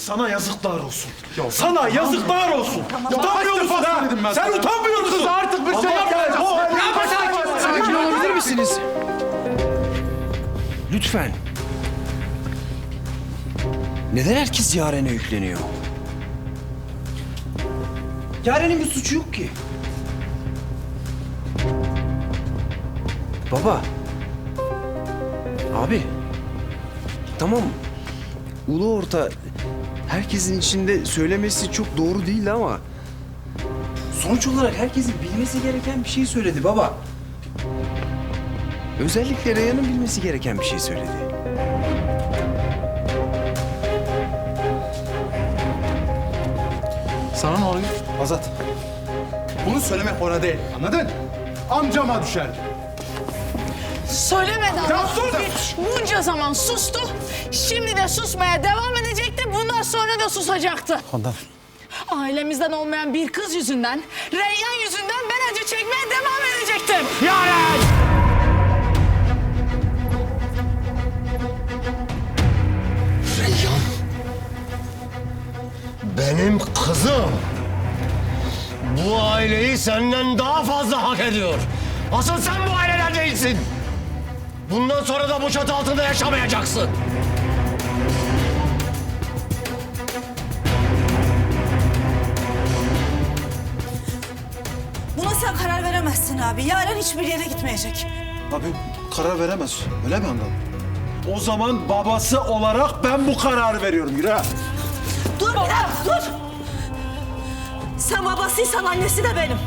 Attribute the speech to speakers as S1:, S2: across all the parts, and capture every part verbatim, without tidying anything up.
S1: sana yazıklar olsun. Ya, sana yazıklar olsun.
S2: Tamam.
S1: Utanmıyor
S2: Ya,
S1: musun ha?
S2: ben
S1: Sen
S2: sana.
S1: utanmıyor musun?
S2: Kız artık bir şey yapmayacağız.
S3: Sakin olabilir misiniz? Lütfen. Neden herkes Yaren'e yükleniyor? Yaren'in bir suçu yok ki. Baba. Abi. Tamam. Ulu orta herkesin içinde söylemesi çok doğru değil ama sonuç olarak herkesin bilmesi gereken bir şey söyledi baba. Özellikle Reyhan'ın bilmesi gereken bir şey söyledi.
S2: Sana ne oluyor?
S1: Azat.
S2: Bunu söylemek ona değil. Anladın? Amcama düşerdi.
S4: Söylemedi ama.
S2: Ya sus!
S4: Bunca zaman sustu. Şimdi de susmaya devam edecekti. Bundan sonra da susacaktı.
S1: Handan.
S4: Ailemizden olmayan bir kız yüzünden, Reyyan yüzünden ben acı çekmeye devam edecektim.
S5: Reyhan. Benim kızım. Bu aileyi senden daha fazla hak ediyor. Asıl sen bu aileden değilsin. Bundan sonra da bu çatı altında yaşamayacaksın.
S6: Buna sen karar veremezsin abi. Yaren hiçbir yere gitmeyecek.
S1: Abi karar veremez. Öyle mi Handan? O zaman babası olarak ben bu kararı veriyorum. Yürü ha.
S6: Dur bir dakika dur. Sen babasıysan annesi de benim.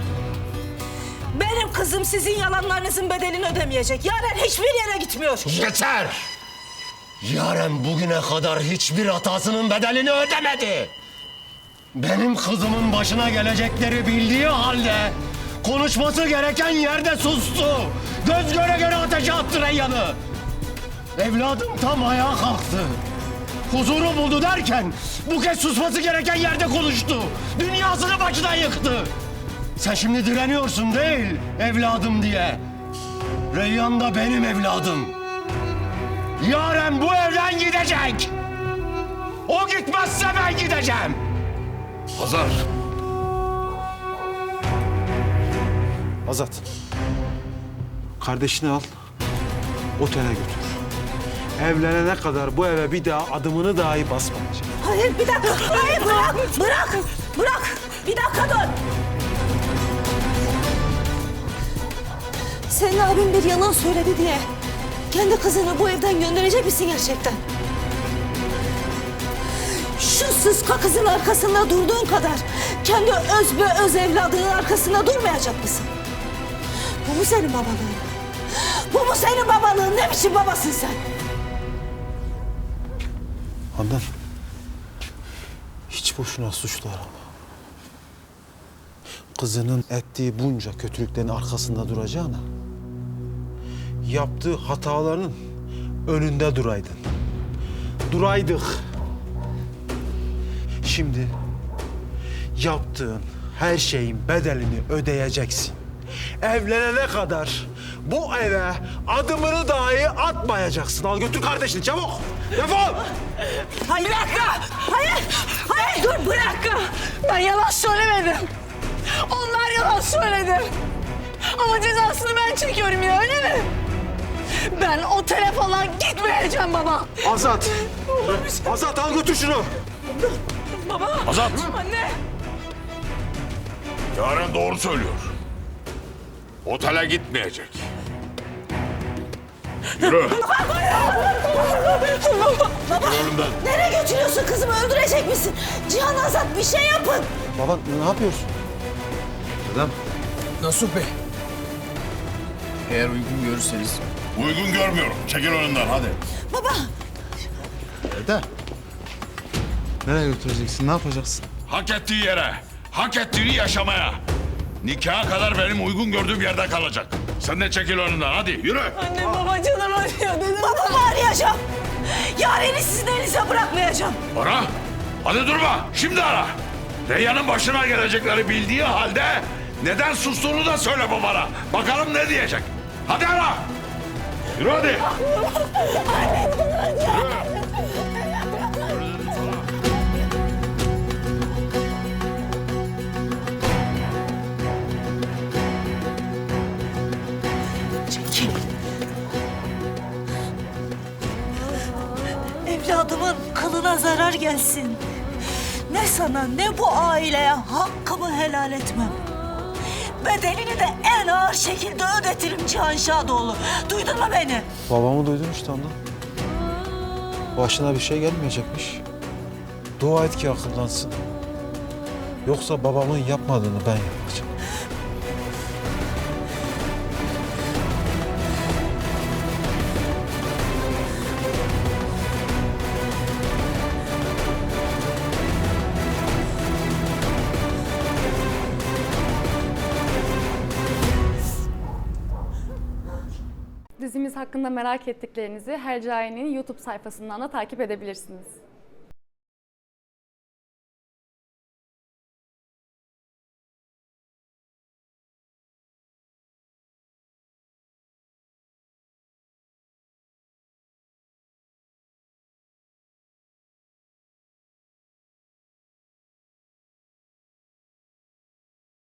S6: Benim kızım sizin yalanlarınızın bedelini ödemeyecek. Yaren hiçbir yere gitmiyor.
S5: Yeter! Yaren bugüne kadar hiçbir hatasının bedelini ödemedi. Benim kızımın başına gelecekleri bildiği halde konuşması gereken yerde sustu. Göz göre göre ateşe attı Reyyan'ı. Evladım tam ayağa kalktı. Huzuru buldu derken bu kez susması gereken yerde konuştu. Dünyasını başına yıktı. Sen şimdi direniyorsun değil evladım diye. Reyyan da benim evladım. Yaren bu evden gidecek. O gitmezse ben gideceğim.
S2: Hazar.
S1: Azat. Kardeşini al. Otele götür. Evlenene kadar bu eve bir daha adımını dahi basmayacak.
S6: Hayır bir dakika. Hayır bırak. Bırak. Bırak. Bir dakika dur. Senin abin bir yalan söyledi diye kendi kızını bu evden gönderecek misin gerçekten? Şu sıska kızın arkasında durduğun kadar kendi öz be öz evladının arkasında durmayacak mısın? Bu mu senin babalığın? Bu mu senin babalığın? Ne biçim babasın sen?
S1: Handan. Hiç boşuna suçlu arama. Kızının ettiği bunca kötülüklerin arkasında duracağına yaptığı hataların önünde duraydın. Duraydık. Şimdi yaptığın her şeyin bedelini ödeyeceksin. Evlenene kadar bu eve adımını dahi atmayacaksın. Al götür kardeşini çabuk. Defol.
S6: Hayır. Bir dakika. Hayır. Hayır. Dur bırak.
S4: Ben yalan söylemedim. Onlar yalan söyledi. Ama cezasını ben çekiyorum ya, öyle mi? Ben otele falan gitmeyeceğim baba.
S1: Azat. Azat al götür şunu.
S4: Baba.
S7: Azat!
S4: Anne.
S7: Yaren doğru söylüyor. Otele gitmeyecek. Yürü.
S6: Baba.
S7: Önümden.
S6: Nereye götürüyorsun kızımı? Öldürecek misin? Cihan Azat bir şey yapın.
S1: Baba ne yapıyorsun? Dedem.
S3: Nasuh Bey. Eğer uygun görürseniz.
S7: Uygun görmüyorum. Çekil önünden hadi.
S6: Baba.
S2: Dede. Nereye götüreceksin? Ne yapacaksın?
S7: Hak ettiği yere, hak ettiğini yaşamaya. Nikaha kadar benim uygun gördüğüm yerde kalacak. Sen de çekil önünden hadi yürü.
S4: Anne baba canım acıyor dedim.
S6: Babamı arayacağım. Yaren'i sizin elinize bırakmayacağım.
S7: Ara. Hadi durma. Şimdi ara. Reyhan'ın başına gelecekleri bildiği halde neden sustuğunu da söyle babana. Bakalım ne diyecek. Hadi ara. Yürü hadi. Yürü. Yürü dedim sana.
S6: karar gelsin. Ne sana ne bu aileye hakkımı helal etmem. Bedelini de en ağır şekilde ödetirim Cihan Şadoğlu. Duydun mu beni?
S1: Babamı duydun işte anne. Başına bir şey gelmeyecekmiş. Dua et ki akıllansın. Yoksa babamın yapmadığını ben yapacağım.
S8: Dizimiz hakkında merak ettiklerinizi Hercai'nin YouTube sayfasından da takip edebilirsiniz.